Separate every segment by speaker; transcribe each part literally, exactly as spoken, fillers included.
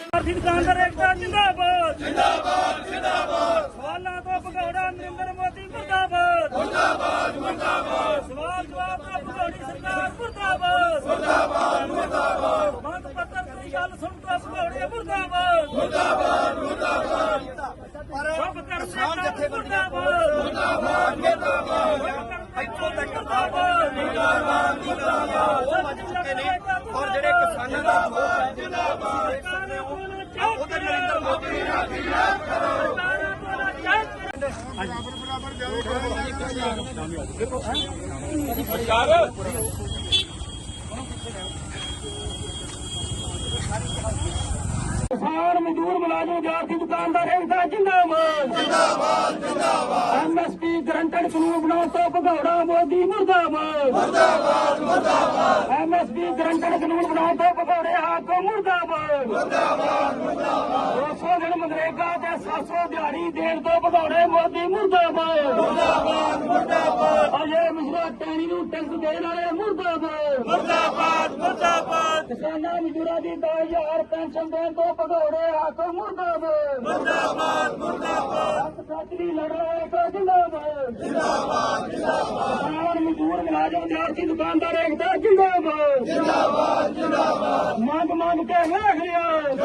Speaker 1: दुकानदार एकता जिंदाबाद जिंदाबाद जिंदाबाद सवालों तो भगौड़ा नरेंद्र मोदी मुर्दाबाद मुर्दाबाद मुर्दाबाद सवाल जवाब तो भगौड़ी सरकार मुर्दाबाद मुर्दाबाद मुर्दाबाद मंग पत्र की गल सुन तो भगौड़े मुर्दाबाद मुर्दाबाद मुर्दाबाद सब किसान जथेबंदियां मुर्दाबाद मुर्दाबाद ਇੱਥੋਂ ਤੱਕ ਮੁਰਦਾਬਾਦ ਮੁਰਦਾਬਾਦ ਮੁਰਦਾਬਾਦ ਉਹ ਵੱਜ ਚੁੱਕੇ ਨੇ ਔਰ ਜਿਹੜੇ ਕਿਸਾਨਾਂ ਦਾ ਮੋਰਚਾ ਜਿੰਦਾਬਾਦ ਉਹਦੇ ਨਰਿੰਦਰ ਮੋਦੀ ਨੇ ਆਖੀ ਯਾਦ ਕਰੋ किसान मजदूर मुलाजिम विद्यार्थी दुकानदार एकता जिंदाबाद जिंदाबाद जिंदाबाद एमएसपी गारंटेड कानून बनाओ तो भगौड़ा मोदी मुर्दाबाद मुर्दाबाद मुर्दाबाद एमएसपी गारंटेड कानून बनाओ तो भगौड़े हाको मुर्दाबाद मुर्दाबाद मुर्दाबाद दो सौ दिन मनरेगा ते सात सौ दिहाड़ी देण तो भगौड़े मोदी मुर्दाबाद मुर्दाबाद मुर्दाबाद अजे मिश्रा टैनी नूं टैक्स देण वाले मुर्दाबाद मुर्दाबाद मुर्दाबाद किसानां मजदूरां दी दस हज़ार पेंशन देण तो भगौड़े हाको मुर्दाबाद मुर्दाबाद मुर्दाबाद साथी लड़ाई का जिंदाबाद जिंदाबाद जिंदाबाद किसान मजदूर मुलाजिम विद्यार्थी दुकानदार एकता जिंदाबाद जिंदाबाद जिंदाबाद मांग मांग के वेख लिया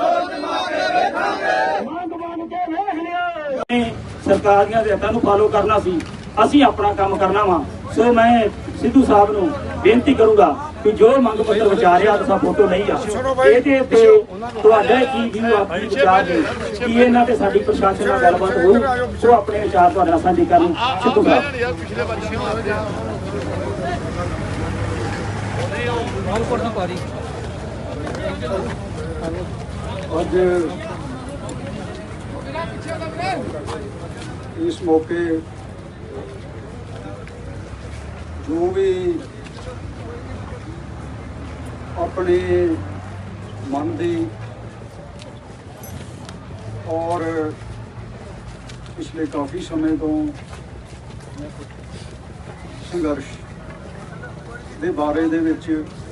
Speaker 1: मांग मांग के वेख लिया सरकार ਦੀਆਂ ਹਦਾਇਤਾਂ ਨੂੰ ਫਾਲੋ ਕਰਨਾ ਸੀ ਅਸੀਂ ਆਪਣਾ ਕੰਮ ਕਰਨਾ ਵਾ ਸੋ ਮੈਂ ਸਿੱਧੂ ਸਾਹਿਬ ਨੂੰ ਬੇਨਤੀ ਕਰੂੰਗਾ ਕਿ ਜੋ ਮੰਗ ਪੱਤਰ ਵਿਚਾਰਿਆ ਤਾਂ ਫੋਟੋ ਨਹੀਂ ਆ ਇਹਦੇ ਤੇ ਤੁਹਾਡਾ ਕੀ ਵਿਊ ਆਪਣੀ ਵਿਚਾਰ ਦੇ ਕਿ ਇਹਨਾਂ ਤੇ ਸਾਡੀ ਪ੍ਰਸ਼ਾਸਨ ਨਾਲ ਗੱਲਬਾਤ ਹੋਊ ਸੋ ਆਪਣੇ ਵਿਚਾਰ ਤੁਹਾਡੇ ਨਾਲ ਸਾਂਝੇ ਕਰਨ ਸਿੱਧੂ ਸਾਹਿਬ
Speaker 2: ਅੱਜ ਇਸ ਮੌਕੇ ਜੋ ਵੀ ਆਪਣੇ ਮਨ ਦੀ ਔਰ ਪਿਛਲੇ ਕਾਫੀ ਸਮੇਂ ਤੋਂ ਸੰਘਰਸ਼ ਦੇ ਬਾਰੇ ਦੇ ਵਿੱਚ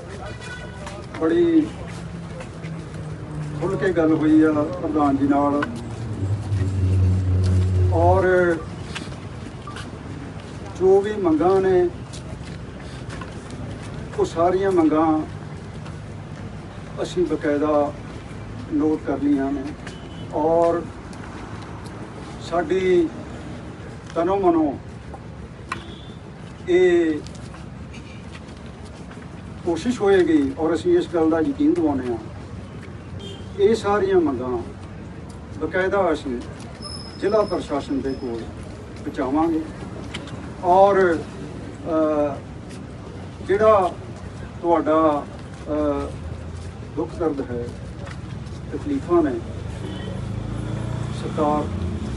Speaker 2: ਬੜੀ ਖੁੱਲ੍ਹ ਕੇ ਗੱਲ ਹੋਈ ਆ ਪ੍ਰਧਾਨ ਜੀ ਨਾਲ ਔਰ ਜੋ ਵੀ ਮੰਗਾਂ ਨੇ ਉਹ ਸਾਰੀਆਂ ਮੰਗਾਂ ਅਸੀਂ ਬਕਾਇਦਾ ਨੋਟ ਕਰ ਲਈਆਂ ਨੇ ਔਰ ਸਾਡੀ ਤਨੋਂ ਮਨੋਂ ਇਹ ਕੋਸ਼ਿਸ਼ ਹੋਏਗੀ ਔਰ ਅਸੀਂ ਇਸ ਗੱਲ ਦਾ ਯਕੀਨ ਦਿਵਾਉਂਦੇ ਹਾਂ ਇਹ ਸਾਰੀਆਂ ਮੰਗਾਂ ਬਕਾਇਦਾ ਅਸੀਂ ਜ਼ਿਲ੍ਹਾ ਪ੍ਰਸ਼ਾਸਨ ਦੇ ਕੋਲ ਪਹੁੰਚਾਵਾਂਗੇ ਔਰ ਜਿਹੜਾ ਤੁਹਾਡਾ ਦੁੱਖ ਦਰਦ ਹੈ ਤਕਲੀਫਾਂ ਨੇ ਸਰਕਾਰ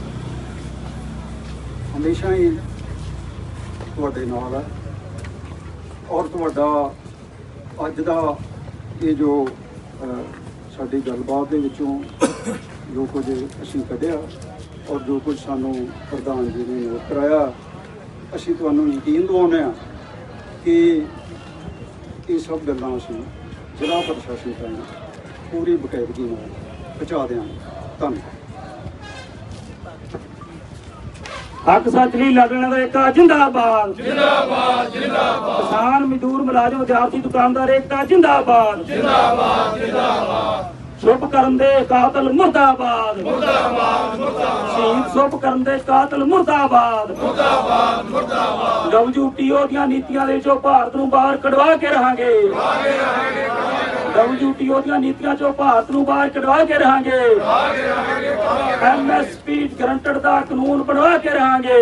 Speaker 2: ਹਮੇਸ਼ਾ ਹੀ ਤੁਹਾਡੇ ਨਾਲ ਹੈ ਔਰ ਤੁਹਾਡਾ ਅੱਜ ਦਾ ਇਹ ਜੋ ਸਾਡੀ ਗੱਲਬਾਤ ਦੇ ਵਿੱਚੋਂ ਜੋ ਕੁਝ ਅਸੀਂ ਕੱਢਿਆ ਔਰ ਜੋ ਕੁਝ ਸਾਨੂੰ ਪ੍ਰਧਾਨ ਜੀ ਨੇ ਨੋਟ ਕਰਾਇਆ ਅਸੀਂ ਤੁਹਾਨੂੰ ਯਕੀਨ ਦਿਵਾਉਂਦੇ ਹਾਂ ਕਿ ਇਹ ਸਭ ਗੱਲਾਂ ਅਸੀਂ ਜ਼ਿਲ੍ਹਾ ਪ੍ਰਸ਼ਾਸਨ ਤੱਕ ਪੂਰੀ ਬਕਾਇਦਗੀ ਨਾਲ ਪਹੁੰਚਾ ਦਿਆਂਗੇ ਧੰਨਵਾਦ
Speaker 1: हक सच नहीं लड़ने का एकता जिंदाबाद जिंदाबाद जिंदाबाद किसान मजदूर मुलाजिम विद्यार्थी दुकानदार एकता जिंदाबाद जिंदाबाद जिंदाबाद चुप करन दे कातिल मुर्दाबाद मुर्दाबाद मुर्दाबाद शहीद चुप करन दे कातिल मुर्दाबाद मुर्दाबाद मुर्दाबाद डब्ल्यूटीओ ਦੀਆਂ ਨੀਤੀਆਂ ਦੇ ਵਿੱਚੋਂ ਭਾਰਤ ਨੂੰ ਬਾਹਰ ਕਢਵਾ ਕੇ ਰਹਾਂਗੇ डब्ल्यूटीओ ਦੀਆਂ ਨੀਤੀਆਂ ਚੋਂ ਭਾਰਤ ਨੂੰ ਬਾਹਰ ਕਢਵਾ ਕੇ ਰਹਾਂਗੇ एमएसपी गारंटेड ਦਾ ਕਾਨੂੰਨ ਬਣਵਾ ਕੇ ਰਹਾਂਗੇ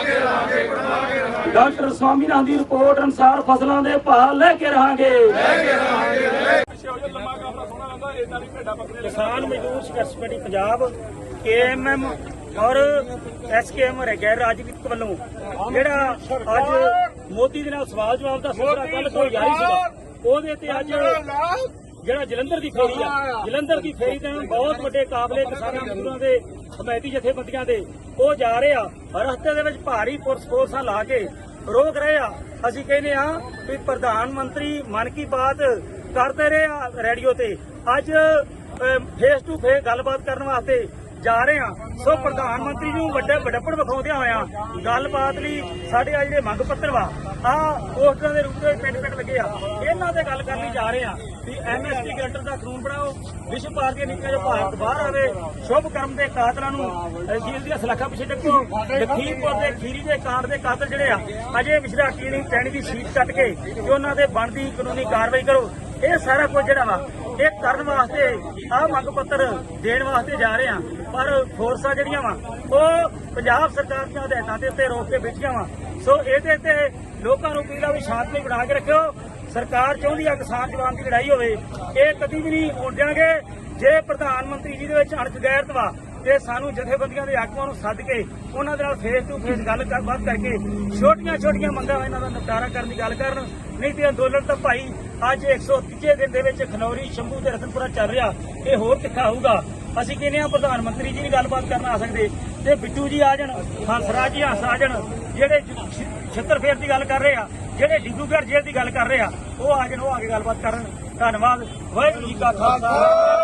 Speaker 1: ਡਾਕਟਰ ਸਵਾਮੀਨਾਥਨ ਦੀ ਰਿਪੋਰਟ ਅਨੁਸਾਰ ਫਸਲਾਂ ਦੇ ਭਾਅ ਲੈ ਕੇ ਰਹਾਂਗੇ किसान मजदूर संघर्ष committee Punjab K M M और एस के एम गैर राजनीतिक वालों ਜਿਹੜਾ ਅੱਜ ਮੋਦੀ ਦੇ ਨਾਲ ਸਵਾਲ ਜਵਾਬ ਦਾ ਸਿਲਸਿਲਾ ਕੱਲ ਤੋਂ ਜਾਰੀ ਸੀਗਾ ਉਹਦੇ ਤੇ ਅੱਜ ਜਿਹੜਾ ਜਲੰਧਰ ਦੀ ਫੇਰੀ ਆ ਜਲੰਧਰ ਦੀ ਫੇਰੀ ਤੇ ਬਹੁਤ ਵੱਡੇ ਕਾਬਲੇ ਕਿਸਾਨਾਂ ਮਜ਼ਦੂਰਾਂ ਦੇ ਹਮਾਇਤੀ ਜਥੇਬੰਦੀਆਂ ਦੇ ਉਹ ਜਾ ਰਹੇ ਆ ਰਸਤੇ ਦੇ ਵਿੱਚ ਭਾਰੀ ਪੁਲਿਸ ਫੋਰਸਾਂ ਲਾ ਕੇ ਰੋਕ ਰਹੇ ਆ। ਅਸੀਂ ਕਹਿੰਦੇ ਆ ਵੀ ਪ੍ਰਧਾਨ ਮੰਤਰੀ ਮਨ ਕੀ ਬਾਤ ਕਰਦੇ ਰਹੇ ਆ ਰੇਡੀਓ ਤੇ, ਅੱਜ ਫੇਸ ਟੂ ਫੇਸ ਗੱਲਬਾਤ ਕਰਨ ਵਾਸਤੇ ਜਾ ਰਹੇ ਆ। ਸੋ ਪ੍ਰਧਾਨ ਮੰਤਰੀ ਨੂੰ ਵੱਡੇ ਵੱਡਪਣ ਵਿਖਾਉਂਦਿਆਂ ਹੋਇਆ ਗੱਲਬਾਤ ਲਈ ਸਾਡੇ ਆ ਜਿਹੜੇ ਮੰਗ ਪੱਤਰ ਵਾ ਆ ਪੋਸਟਰਾਂ ਦੇ ਰੂਪ ਵਿੱਚ ਪਿੰਡ ਪਿੰਡ ਲੱਗੇ ਆ, ਇਹਨਾਂ ਤੇ ਗੱਲ ਕਰਨ ਲਈ ਜਾ ਰਹੇ ਆ ਵੀ ਐਮਐਸਪੀ ਗਰੰਟਰ ਦਾ ਕਾਨੂੰਨ ਬਣਾਓ, ਵਿਸ਼ਵ ਭਾਰਤੀ ਨੀਤੀਆਂ ਜੋ ਭਾਰਤ ਬਾਹਰ ਆਵੇ, ਸ਼ੁਭ ਕਰਮ ਦੇ ਕਾਤਲਾਂ ਨੂੰ ਜੇਲ੍ਹ ਦੀਆਂ ਸਲਾਖਾਂ ਪਿੱਛੇ ਡੱਕੋ, ਲਖੀਮਪੁਰ ਦੇ ਖੀਰੀ ਦੇ ਕਾਂਡ ਦੇ ਕਾਤਲ ਜਿਹੜੇ ਆ ਅਜੇ ਮਿਸ਼ਰਾ ਕੀਣੀ ਟੈਣੀ ਦੀ ਸੀਟ ਕੱਟ ਕੇ ਤੇ ਉਹਨਾਂ ਦੇ ਬਣਦੀ ਕਾਨੂੰਨੀ ਕਾਰਵਾਈ ਕਰੋ। ਇਹ ਸਾਰਾ ਕੁਝ ਜਿਹੜਾ ਵਾ ਇਹ ਕਰਨ ਵਾਸਤੇ ਆਹ ਮੰਗ ਪੱਤਰ ਦੇਣ ਵਾਸਤੇ ਜਾ ਰਹੇ ਆ, ਪਰ ਫੋਰਸਾਂ ਜਿਹੜੀਆਂ ਵਾ ਉਹ ਪੰਜਾਬ ਸਰਕਾਰ ਦੀਆਂ ਹਦਾਇਤਾਂ ਦੇ ਉੱਤੇ ਰੋਕ ਕੇ ਬੈਠੀਆਂ ਵਾ। ਸੋ ਇਹਦੇ ਤੇ ਲੋਕਾਂ ਨੂੰ ਅਪੀਲ ਆ ਵੀ ਸ਼ਾਂਤੀ ਬਣਾ ਕੇ ਰੱਖਿਓ। ਸਰਕਾਰ ਚਾਹੁੰਦੀ ਆ ਕਿਸਾਨ ਜਵਾਨ ਦੀ ਲੜਾਈ ਹੋਵੇ, ਇਹ ਕਦੀ ਵੀ ਨਹੀਂ ਹੋਣ ਦਿਆਂਗੇ। ਜੇ ਪ੍ਰਧਾਨ ਮੰਤਰੀ ਜੀ ਦੇ ਵਿੱਚ ਅਣਖ ਗੈਰਤ ਵਾ ਤੇ ਸਾਨੂੰ ਜਥੇਬੰਦੀਆਂ ਦੇ ਆਗੂਆਂ ਨੂੰ ਸੱਦ ਕੇ ਉਹਨਾਂ ਦੇ ਨਾਲ ਫੇਸ ਟੂ ਫੇਸ ਗੱਲ ਬਾਤ ਕਰਕੇ ਛੋਟੀਆਂ ਛੋਟੀਆਂ ਮੰਗਾਂ ਇਹਨਾਂ ਦਾ ਨਿਪਟਾਰਾ ਕਰਨ ਦੀ ਗੱਲ ਕਰਨ, ਨਹੀਂ ਤੇ ਅੰਦੋਲਨ ਤਾਂ ਭਾਈ ਅੱਜ ਇੱਕ ਸੌ ਤੀਜੇ ਦਿਨ ਦੇ ਵਿੱਚ ਖਨੌਰੀ, ਸ਼ੰਭੂ ਤੇ ਰਤਨਪੁਰਾ ਚੱਲ ਰਿਹਾ, ਇਹ ਹੋਰ ਤਿੱਖਾ ਹੋਊਗਾ। ਅਸੀਂ ਕਹਿੰਦੇ ਆ ਪ੍ਰਧਾਨ ਮੰਤਰੀ ਜੀ ਨਹੀਂ ਗੱਲਬਾਤ ਕਰਨ ਆ ਸਕਦੇ ਤੇ ਬਿੱਟੂ ਜੀ ਆ ਜਾਣ, ਹੰਸਰਾਜ ਜੀ ਹੰਸ ਆ ਜਾਣ, ਜਿਹੜੇ ਛਿੱਤਰ ਫੇਰ ਦੀ ਗੱਲ ਕਰ ਰਹੇ ਆ, ਜਿਹੜੇ ਡਿਬਰੂਗੜ੍ਹ ਜੇਲ੍ਹ ਦੀ ਗੱਲ ਕਰ ਰਹੇ ਆ, ਉਹ ਆ ਜਾਣ, ਉਹ ਆ ਕੇ ਗੱਲਬਾਤ ਕਰਨ। ਧੰਨਵਾਦ। ਵਾਹਿਗੁਰੂ ਜੀ ਕਾ ਖਾਲਸਾ।